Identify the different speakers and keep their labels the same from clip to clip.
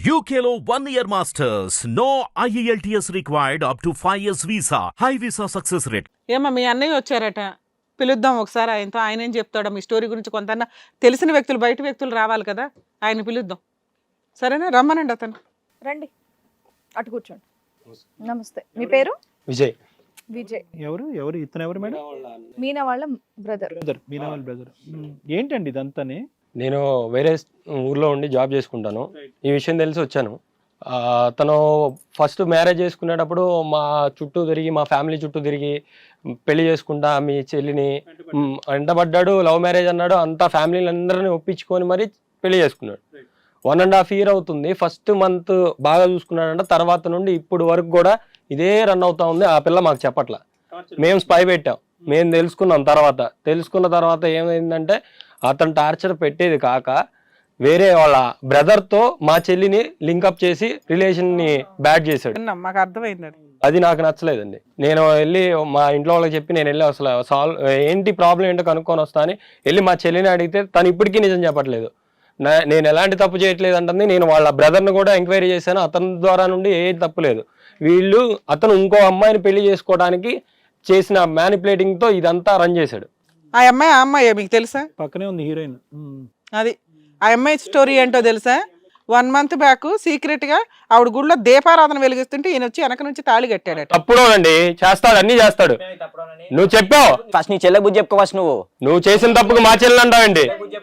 Speaker 1: UKLO 1 year masters. No IELTS required up to 5 years visa. High visa success rate.
Speaker 2: ఏమో మీ అన్నయ్య వచ్చారట, పిలుద్దాం ఒకసారి ఆయనతో. ఆయన ఏం చెప్తాడో మీ స్టోరీ గురించి. కొంత తెలిసిన వ్యక్తులు, బయట వ్యక్తులు రావాలి కదా, ఆయన పిలుద్దాం. సరేనా, రమ్మనండి అతను.
Speaker 3: రండి, అటు కూర్చోండి. నమస్తే, మీ పేరు?
Speaker 4: విజయ్.
Speaker 3: విజయ్
Speaker 4: ఎవరు ఎవరు ఇతను ఎవరు మేడం?
Speaker 3: మీనా వాళ్ళ బ్రదర్.
Speaker 4: మీనా వాళ్ళ బ్రదర్. ఏంటండి ఇదంతానే?
Speaker 5: నేను వేరే ఊర్లో ఉండి జాబ్ చేసుకుంటాను. ఈ విషయం తెలిసి వచ్చాను. తను ఫస్ట్ మ్యారేజ్ చేసుకునేటప్పుడు మా చుట్టూ తిరిగి, మా ఫ్యామిలీ చుట్టూ తిరిగి పెళ్లి చేసుకుంటా మీ చెల్లిని ఎండబడ్డాడు. లవ్ మ్యారేజ్ అన్నాడు. అంతా ఫ్యామిలీని అందరినీ ఒప్పించుకొని మరి పెళ్లి చేసుకున్నాడు. 1.5 year అవుతుంది. ఫస్ట్ మంత్ బాగా చూసుకున్నాడంట. తర్వాత నుండి ఇప్పుడు వరకు కూడా ఇదే రన్ అవుతా ఉంది. ఆ పిల్ల మాకు చెప్పట్లా. మేము స్పై పెట్టాం, మేము తెలుసుకున్న తర్వాత ఏమైందంటే, అతను టార్చర్ పెట్టేది కాక వేరే వాళ్ళ బ్రదర్తో మా చెల్లిని లింకప్ చేసి రిలేషన్ని బ్యాడ్ చేశాడు.
Speaker 2: మాకు అర్థమైంది.
Speaker 5: అది నాకు నచ్చలేదండి. నేను వెళ్ళి మా ఇంట్లో వాళ్ళకి చెప్పి నేను వెళ్ళి అసలు ఏంటి ప్రాబ్లం ఏంటో కనుక్కొని వస్తా అని వెళ్ళి మా చెల్లిని అడిగితే తను ఇప్పటికీ నిజం చెప్పట్లేదు. నేను ఎలాంటి తప్పు చేయట్లేదు అంటుంది. నేను వాళ్ళ బ్రదర్ని కూడా ఎంక్వైరీ చేశాను. అతని ద్వారా నుండి ఏ తప్పు లేదు. అతను ఇంకో అమ్మాయిని పెళ్లి చేసుకోవడానికి చేసిన మ్యానిపులేటింగ్తో ఇదంతా రన్ చేశాడు.
Speaker 2: ఆ అమ్మాయి మీకు తెలుసా?
Speaker 4: పక్కనే ఉంది హీరోయిన్.
Speaker 2: అది ఆ అమ్మాయి స్టోరీ ఏంటో తెలుసా? 1 month బ్యాక్ సీక్రెట్ గా ఆవిడ గుడిలో దీపారాధన వెలిగిస్తుంటే ఈయన వచ్చి వెనక నుంచి తాళి కట్టాడట.
Speaker 5: తప్పుడోనండి, చేస్తాడు, అన్ని చేస్తాడు. నువ్వు చెప్పావు
Speaker 6: ఫస్ట్ నీ చెల్లె బుద్ధి చెప్పుకో. ఫస్ట్
Speaker 5: నువ్వు చేసిన తప్పుకు మా చెల్లెలు అంటావండి.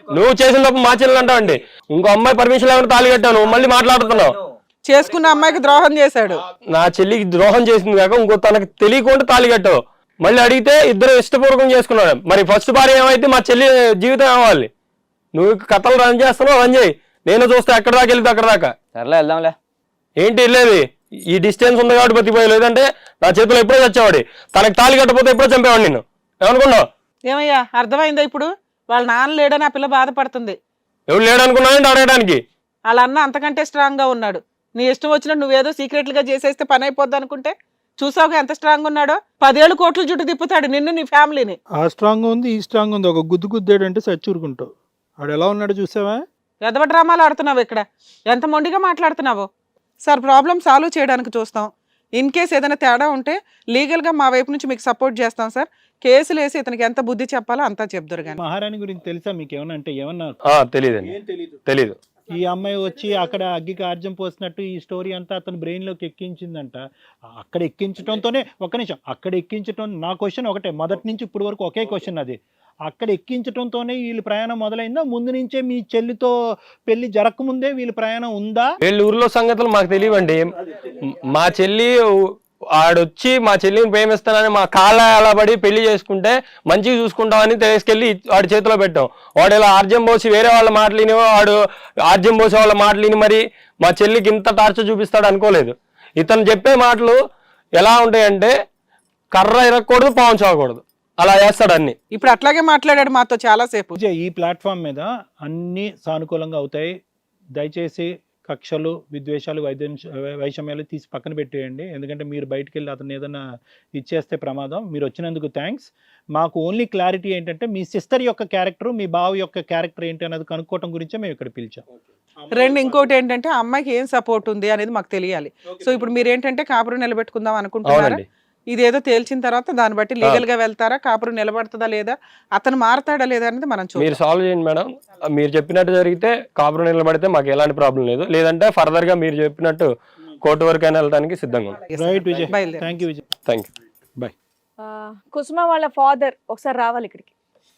Speaker 5: ఇంకో అమ్మాయి పర్మిషన్ లేకుండా తాళి కట్టావు, నువ్వు మళ్ళీ మాట్లాడుతున్నావు.
Speaker 2: చేసుకున్న అమ్మాయికి ద్రోహం చేశాడు.
Speaker 5: నా చెల్లికి ద్రోహం చేసింది కాక ఇంకో తనకు తెలియకుండా తాళి కట్టావు. మళ్ళీ అడిగితే ఇద్దరు ఇష్టపూర్వకం చేసుకున్నాడు. మరి ఫస్ట్ భార్య ఏమైతే మా చెల్లి జీవితం ఏమవ్వాలి? నువ్వు కథలు రన్ చేస్తున్నావు, రన్ చేయి. నేను చూస్తే ఎక్కడ దాకా వెళ్తే అక్కడ దాకా.
Speaker 6: సర్లే, వెళ్దాంలే.
Speaker 5: ఏంటి వెళ్ళేది? ఈ డిస్టెన్స్ ఉంది కాబట్టి బతికిపోయి, లేదంటే నా చేతిలో ఎప్పుడో చచ్చేవాడి. తనకు తాళి కట్టకపోతే ఎప్పుడో చంపేవాడు నిన్ను. ఏమనుకున్నావు?
Speaker 2: ఏమయ్యా, అర్థమైందా ఇప్పుడు? వాళ్ళ నాన్న లేడని ఆ పిల్ల బాధపడుతుంది.
Speaker 5: ఎవరు లేడనుకున్నానంటే అడగడానికి.
Speaker 2: వాళ్ళ అన్న అంతకంటే స్ట్రాంగ్ గా ఉన్నాడు. నీ ఇష్టం వచ్చినట్టు నువ్వేదో సీక్రెట్లుగా చేసేస్తే పని అయిపోద్ది అనుకుంటే చూసావుగా ఎంత స్ట్రాంగ్ ఉన్నాడో. 10 ఏళ్ళు కోట్ల చుట్టూ తిప్పుతాడు నిన్ను, నీ ఫ్యామిలీని.
Speaker 4: ఆ స్ట్రాంగ్ ఉంది, ఈ స్ట్రాంగ్ ఉంది. ఒక గుద్దేడు అంటే సచ్చూరుకుంటావు. ఆడు ఎలా ఉన్నాడు చూసావా?
Speaker 2: ఎదవ డ్రామాలు ఆడుతున్నావు ఇక్కడ. ఎంత మొండిగా మాట్లాడుతున్నావు. సార్, ప్రాబ్లం సాల్వ్ చేయడానికి చూస్తాం. ఇన్ కేస్ ఏదైనా తేడా ఉంటే లీగల్గా మా వైపు నుంచి మీకు సపోర్ట్ చేస్తాం సార్. కేసులు వేసి ఇతనికి ఎంత బుద్ధి చెప్పాలో అంతా చెప్తారు. కానీ
Speaker 4: మహారాణి గురించి తెలుసా మీకు? ఏమన్నా అంటే ఏమన్నా
Speaker 5: తెలీదు.
Speaker 4: ఈ అమ్మాయి వచ్చి అక్కడ అగ్గికి ఆర్జం పోసినట్టు ఈ స్టోరీ అంతా అతను బ్రెయిన్లోకి ఎక్కించిందంట. అక్కడ ఎక్కించడంతోనే, ఒక్క నిమిషం, అక్కడ ఎక్కించడం. నా క్వశ్చన్ ఒకటే, మొదటి నుంచి ఇప్పటి వరకు ఒకే క్వశ్చన్. అది అక్కడ ఎక్కించడంతోనే వీళ్ళ ప్రయాణం మొదలైందా? ముందు నుంచే మీ చెల్లితో పెళ్లి జరగకముందే వీళ్ళ ప్రయాణం ఉందా?
Speaker 5: వీళ్ళ ఊర్లో సంగతులు మాకు తెలియవండి. మా చెల్లి ఆడొచ్చి మా చెల్లిని ప్రేమిస్తానని మా కాళ్ళ అలా పడి పెళ్లి చేసుకుంటే మంచిగా చూసుకుంటామని తీసుకెళ్లి వాడి చేతిలో పెట్టాం. వాడు ఇలా ఆర్జం పోసి వేరే వాళ్ళ మాటలిని, వాడు ఆర్జం పోసే వాళ్ళ మాటలిని మరి మా చెల్లికి ఇంత టార్చర్ చూపిస్తాడు అనుకోలేదు. ఇతను చెప్పే మాటలు ఎలా ఉంటాయంటే, కర్ర ఇరగకూడదు, పావం చావకూడదు, అలా చేస్తాడు అన్ని.
Speaker 2: ఇప్పుడు అట్లాగే మాట్లాడాడు మాతో చాలా సేపు.
Speaker 4: ఈ ప్లాట్ఫామ్ మీద అన్ని సానుకూలంగా అవుతాయి. దయచేసి కక్షలు, విద్వేషాలు, వైషమ్యాలు తీసి పక్కన పెట్టేయండి. ఎందుకంటే మీరు బయటకు వెళ్ళి అతను ఏదైనా ఇచ్చేస్తే ప్రమాదం. మీరు వచ్చినందుకు థ్యాంక్స్. మాకు ఓన్లీ క్లారిటీ ఏంటంటే, మీ సిస్టర్ యొక్క క్యారెక్టర్, మీ బావ యొక్క క్యారెక్టర్ ఏంటి అనేది కనుక్కోవటం గురించే మేము ఇక్కడ పిలిచాం.
Speaker 2: ఇంకోటి ఏంటంటే, అమ్మాయికి ఏం సపోర్ట్ ఉంది అనేది మాకు తెలియాలి. సో ఇప్పుడు మీరు ఏంటంటే కాపురం నిలబెట్టుకుందాం అనుకుంటున్నారా? ఇదేదో తేల్చిన తర్వాత దాన్ని బట్టి లీగల్ గా వెళ్తారా? కాపురం నిలబడుతుందా లేదా, అతను మారతాడా లేదా అనేది మనం చూడాలి.
Speaker 5: మీరు సాల్వ్ చేయండి మేడం. మీరు చెప్పినట్టు జరిగితే కాపురం నిలబడితే మాకు ఎలాంటి ప్రాబ్లం లేదు. లేదంటే ఫర్దర్ గా మీరు చెప్పినట్టు కోర్టు వరకు అయినా వెళ్ళడానికి సిద్ధంగా ఉంది.
Speaker 4: Right Vijay, thank you Vijay.
Speaker 5: Thank you,
Speaker 4: bye.
Speaker 3: Kusuma వాళ్ళ ఫాదర్ ఒకసారి రావాలి ఇక్కడికి.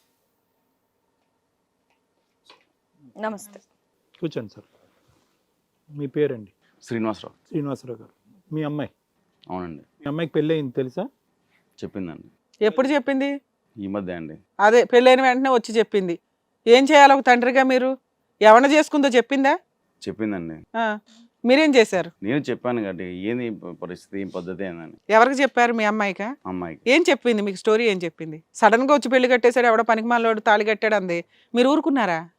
Speaker 3: నమస్తే,
Speaker 4: కూర్చోండి సార్. మీ పేరండి?
Speaker 7: శ్రీనివాసరావు
Speaker 4: గారు. మీ అమ్మాయి?
Speaker 7: అవునండి.
Speaker 4: మీ అమ్మాయికి పెళ్ళి అయింది తెలుసా?
Speaker 7: చెప్పిందండి.
Speaker 2: ఎప్పుడు చెప్పింది?
Speaker 7: ఈ మధ్య అండి.
Speaker 2: అదే పెళ్ళైన వెంటనే వచ్చి చెప్పింది. ఏం చేయాలి ఒక తండ్రిగా మీరు? ఎవరిని చేసుకుందో చెప్పిందా?
Speaker 7: చెప్పిందండి.
Speaker 2: మీరేం చేశారు?
Speaker 7: నేను చెప్పాను కాబట్టి ఏంది పరిస్థితి, ఏం పద్ధతి ఏందని.
Speaker 2: ఎవరికి చెప్పారు? మీ అమ్మాయికా?
Speaker 7: అమ్మాయికి.
Speaker 2: ఏం చెప్పింది మీకు? స్టోరీ ఏం చెప్పింది? సడన్ గా వచ్చి పెళ్లి కట్టేశాడు, ఎవడో పనికి మాలోడు తాళి కట్టాడు అంది. మీరు ఊరుకున్నారా?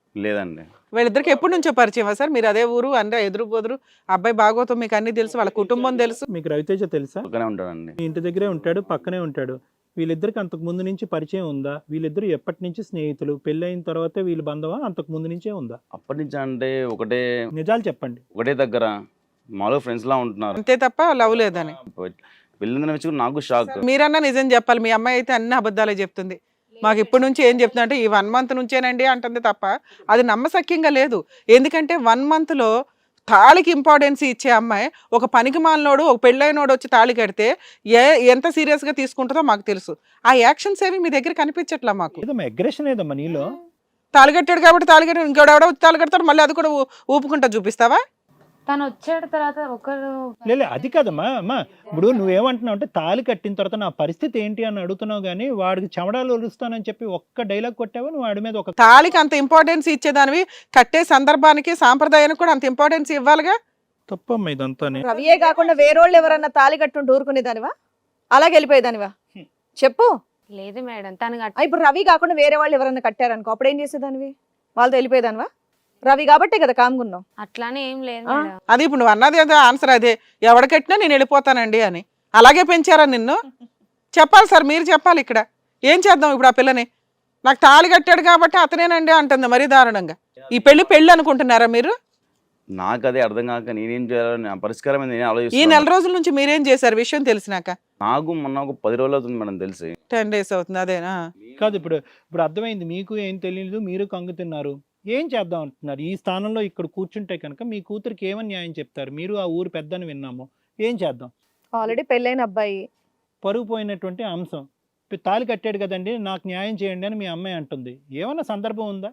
Speaker 7: లేదండి.
Speaker 2: వీళ్ళిద్దరికి ఎప్పటి నుంచో పరిచయమా సార్? మీరు అదే ఊరు అంటే ఎదురు బొదురు, అబ్బాయి బాగోతం మీకు అన్ని తెలుసు, వాళ్ళ కుటుంబం తెలుసు.
Speaker 4: మీకు రవితేజ తెలుసా?
Speaker 7: పక్కనే ఉంటాడండి.
Speaker 4: మీ ఇంటి దగ్గరే ఉంటాడు, పక్కనే ఉంటాడు. వీళ్ళిద్దరికి అంతకు ముందు నుంచి పరిచయం ఉందా? వీళ్ళిద్దరు ఎప్పటి నుంచి స్నేహితులు? పెళ్ళైన తర్వాతే వీళ్ళ బంధమా, అంతకు ముందు నుంచే ఉందా?
Speaker 7: అప్పటి నుంచి అంటే ఒకటే
Speaker 4: నిజాలు చెప్పండి.
Speaker 7: ఒకటే దగ్గర మామూలుగా ఫ్రెండ్స్ లా ఉంటున్నారు.
Speaker 2: అంతే తప్ప లవ్ లేదని.
Speaker 7: వెళ్ళిందని వచ్చి నాకు షాక్.
Speaker 2: మీరన్నా నిజం చెప్పాలి. మీ అమ్మాయి అయితే అన్ని అబద్ధాలే చెప్తుంది. మాకు ఇప్పటి నుంచి ఏం చెప్తున్నా అంటే ఈ 1 month నుంచేనండి అంటుంది తప్ప అది నమ్మశక్యంగా లేదు. ఎందుకంటే 1 monthలో తాళికి ఇంపార్టెన్స్ ఇచ్చే అమ్మాయి ఒక పనికి మాలినోడు, ఒక పెళ్ళైనోడు వచ్చి తాళి కడితే ఎంత సీరియస్గా తీసుకుంటుందో మాకు తెలుసు. ఆ యాక్షన్స్ ఏవి మీ దగ్గర కనిపించట్లా మాకు.
Speaker 4: ఏదమ్మా అగ్రెషన్ ఏదమ్మా నీలో?
Speaker 2: తాళి కట్టాడు కాబట్టి తాళి కట్టాడు, ఇంకోడెవడో వచ్చి తాళి కడతాడు, మళ్ళీ అది కూడా ఊపుకుంటా చూపిస్తావా?
Speaker 8: తను వచ్చాడు తర్వాత ఒకరు
Speaker 4: లేదు అది కాదమ్మా. అమ్మా ఇప్పుడు నువ్వేమంటున్నావు అంటే తాళి కట్టిన తర్వాత నా పరిస్థితి ఏంటి అని అడుగుతున్నావు, కానీ వాడికి చెమడాలు ఒలుస్తానని చెప్పి ఒక్క డైలాగ్ కొట్టావా నువ్వు వాడి మీద? ఒక
Speaker 2: తాళికి అంత ఇంపార్టెన్స్ ఇచ్చేదానివి కట్టే సందర్భానికి సాంప్రదాయానికి కూడా అంత ఇంపార్టెన్స్ ఇవ్వాలిగా.
Speaker 4: తప్పమ్మా ఇదంతానే.
Speaker 3: రవియే కాకుండా వేరోళ్ళు ఎవరన్నా తాళి కట్టుంటూ ఊరుకునేదానివా? అలాగే వెళ్ళిపోయేదానివా? చెప్పు.
Speaker 8: లేదు మేడం తను
Speaker 3: ఇప్పుడు రవి కాకుండా వేరే వాళ్ళు ఎవరన్నా కట్టారనుకో, అప్పుడు ఏం చేసేదానివి? వాళ్ళతో వెళ్ళిపోయేదానివా? రవి కాబట్టే కదా కామ్గున్నావు.
Speaker 8: అట్లానే ఏం లేదు
Speaker 3: ఆ?
Speaker 8: మేడం.
Speaker 2: అది ఇప్పుడు నువ్వు అన్నది అదే ఆన్సర్, అదే ఎవడ కట్టినా నేను వెళ్ళిపోతానండి అని. అలాగే పెంచారా నిన్ను? చెప్పాలి సార్, మీరు చెప్పాలి ఇక్కడ. ఏం చేద్దాం ఇప్పుడు ఆ పిల్లని? నాకు తాళి కట్టాడు కాబట్టి అతనేనండి అంటుంది మరీ దారుణంగా. ఈ పెళ్లి అనుకుంటున్నారా మీరు?
Speaker 7: నాకు అదే అర్థం కాక నేనేం చేయాలని నా పరిష్కారం ఏంది నేను
Speaker 2: ఈ
Speaker 7: ఆలోచిస్తున్నాను.
Speaker 2: 4 రోజుల నుంచి మీరేం చేశారు విషయం తెలిసినాక?
Speaker 7: నాకు మొన్న ఒక 10 రోజులు అవుతుంది మేడం తెలిసి.
Speaker 2: 10 days అవుతుంది. అదేనా?
Speaker 4: కాదు ఇప్పుడు అర్థమైంది. మీకు ఏం తెలియదు, మీరు కంగు తిన్నారు. ఏం చేద్దాం అంటున్నారు? ఈ స్థానంలో ఇక్కడ కూర్చుంటే కనుక మీ కూతురికి ఏమని న్యాయం చెప్తారు? మీరు ఆ ఊరు పెద్దని విన్నాము. ఏం చేద్దాం?
Speaker 3: ఆల్రెడీ పెళ్ళైన అబ్బాయి,
Speaker 4: పరుగు పోయినటువంటి అంశం. తాళి కట్టాడు కదండి, నాకు న్యాయం చేయండి అని మీ అమ్మాయి అంటుంది. ఏమన్నా సందర్భం ఉందా?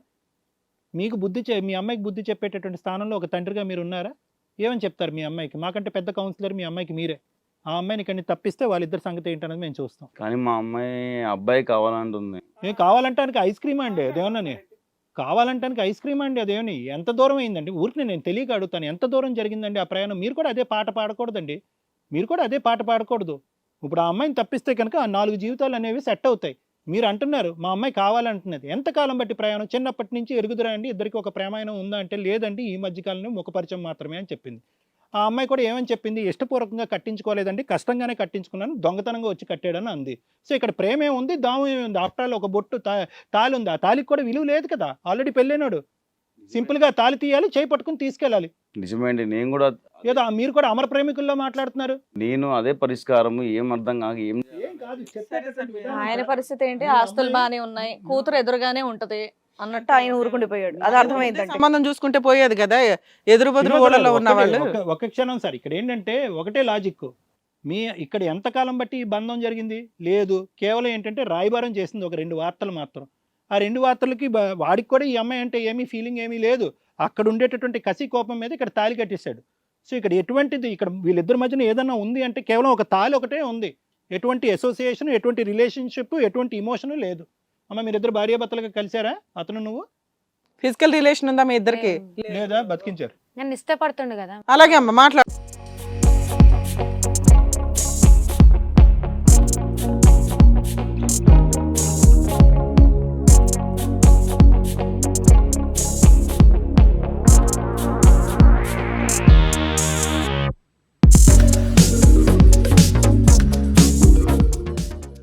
Speaker 4: మీకు మీ అమ్మాయికి బుద్ధి చెప్పేటటువంటి స్థానంలో ఒక తండ్రిగా మీరు ఉన్నారా? ఏమని చెప్తారు మీ అమ్మాయికి? మాకంటే పెద్ద కౌన్సిలర్ మీ అమ్మాయికి మీరే. ఆ అమ్మాయిని ఇక్కడ తప్పిస్తే వాళ్ళిద్దరి సంగతి ఏంటనేది మేము చూస్తాం.
Speaker 7: కానీ మా అమ్మాయి అబ్బాయి కావాలంటుంది.
Speaker 4: ఏం కావాలంటానికి ఐస్ క్రీమ్ అండి అదేమన్నా? కావాలంటానికి ఐస్ క్రీమ్ అండి అదేమని? ఎంత దూరం అయిందండి? ఊరికి నేను తెలియక అడుగుతాను, ఎంత దూరం జరిగిందండి ఆ ప్రయాణం? మీరు కూడా అదే పాట పాడకూడదండి. మీరు కూడా అదే పాట పాడకూడదు. ఇప్పుడు ఆ అమ్మాయిని తప్పిస్తే కనుక ఆ 4 జీవితాలు అనేవి సెట్ అవుతాయి. మీరు అంటున్నారు మా అమ్మాయి కావాలంటున్నది. ఎంతకాలం బట్టి ప్రయాణం? చిన్నప్పటి నుంచి ఎరుగుదురా అండి ఇద్దరికి ఒక ప్రేమాయణం ఉందా అంటే లేదండి ఈ మధ్యకాలంలో ముఖపరిచయం మాత్రమే అని చెప్పింది. ఆ అమ్మాయి కూడా ఏమని చెప్పింది? ఇష్టపూర్వకంగా కట్టించుకోలేదండి, కష్టంగానే కట్టించుకున్నాను, దొంగతనంగా వచ్చి కట్టాడని అంది. సో ఇక్కడ ప్రేమ ఏముంది, దాము ఏముంది? ఆఫ్టర్ ఆల్ ఒక బొట్టు తాళి ఉంది. ఆ తాళికి కూడా విలువ లేదు కదా, ఆల్రెడీ పెళ్ళైనాడు. సింపుల్గా తాళి తీయాలి, చేయి పట్టుకుని తీసుకెళ్ళాలి.
Speaker 7: నిజమేంటి, నేను కూడా
Speaker 4: ఏదో మీరు కూడా అమర ప్రేమికుల్లో మాట్లాడుతున్నారు.
Speaker 7: నేను అదే పరిష్కారం ఏం అర్థం కాక ఏం
Speaker 3: ఆయన పరిస్థితి ఏంటి? ఆస్తులు బాగానే ఉన్నాయి, కూతురు ఎదురుగానే ఉంటది అన్నట్టు ఆయన ఊరుకుండిపోయాడు. అది అర్థమైందండి.
Speaker 2: సంబంధం చూసుకుంటే పోయేది కదా, ఎదురు బదురు ఊళ్ళలో ఉన్న వాళ్ళు.
Speaker 4: ఒక క్షణం సార్, ఇక్కడ ఏంటంటే ఒకటే లాజిక్. ఇక్కడ ఎంతకాలం బట్టి ఈ బంధం జరిగింది? లేదు, కేవలం ఏంటంటే రాయబారం చేసింది ఒక 2 వార్తలు మాత్రం. ఆ 2 వార్తలకి వాడికి కూడా ఈ అమ్మాయి అంటే ఏమీ ఫీలింగ్ ఏమీ లేదు. అక్కడ ఉండేటటువంటి కసి కోపం మీద ఇక్కడ తాళి కట్టేశాడు. సో ఇక్కడ ఎటువంటిది, ఇక్కడ వీళ్ళిద్దరి మధ్యన ఏదన్నా ఉంది అంటే కేవలం ఒక తాళి ఒకటే ఉంది. ఎటువంటి అసోసియేషన్, ఎటువంటి రిలేషన్షిప్, ఎటువంటి ఇమోషన్ లేదు. అమ్మ మీరిద్దరు భార్యాభర్తలుగా కలిసారా? అతను నువ్వు
Speaker 2: ఫిజికల్ రిలేషన్ ఉందా మీ ఇద్దరికి?
Speaker 4: లేదా బతికించారు?
Speaker 8: నన్ను ఇష్టపడుతుండు కదా.
Speaker 2: అలాగే అమ్మ మాట్లాడు.